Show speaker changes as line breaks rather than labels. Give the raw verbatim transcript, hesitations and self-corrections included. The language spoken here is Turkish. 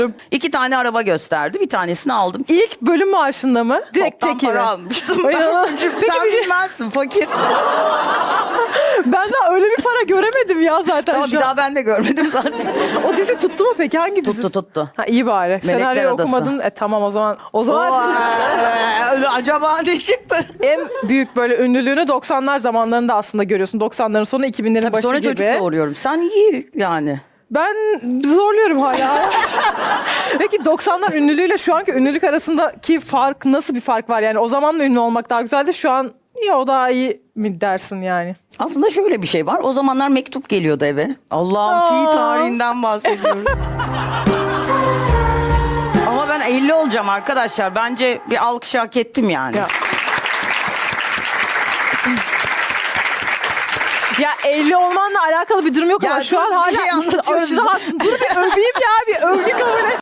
İki tane araba gösterdi. Bir tanesini aldım.
İlk bölüm maaşında mı? Direkt
Toptan
tekini.
para almıştım.
Ay, ya. Peki
Sen
bir şey-
bilmezsin fakir.
Ben daha öyle bir para göremedim ya zaten
Ama
şu
bir
an.
daha ben de görmedim zaten.
O dizi tuttu mu peki? Hangi dizi?
Tuttu tuttu.
Ha, iyi bari. Senaryoyu
Adası.
okumadın. E tamam o zaman. O zaman
Oo, acaba ne çıktı?
en büyük böyle ünlülüğünü doksanlar zamanlarında aslında görüyorsun. doksanların sonu iki binlerin başı
Sonra
gibi.
çocuk doğuruyorum. Sen iyi yani.
Ben zorluyorum hala. Peki doksanlar ünlülüğüyle şu anki ünlülük arasındaki fark nasıl bir fark var? Yani o zaman mı ünlü olmak daha güzeldi? Şu an ya o daha iyi mi dersin yani?
Aslında şöyle bir şey var. O zamanlar mektup geliyordu eve. Allah'ım
Aa.
fi tarihinden bahsediyorum. Ama ben elli olacağım arkadaşlar. Bence bir alkış hak ettim yani.
Ya. Ya elli olmanla alakalı bir durum yok
Ya
ama şu
dur,
an
bir
hala
şey anlatıyorum.
aşırı haklısın. Dur bir öveyim ya bir övgü kabul et.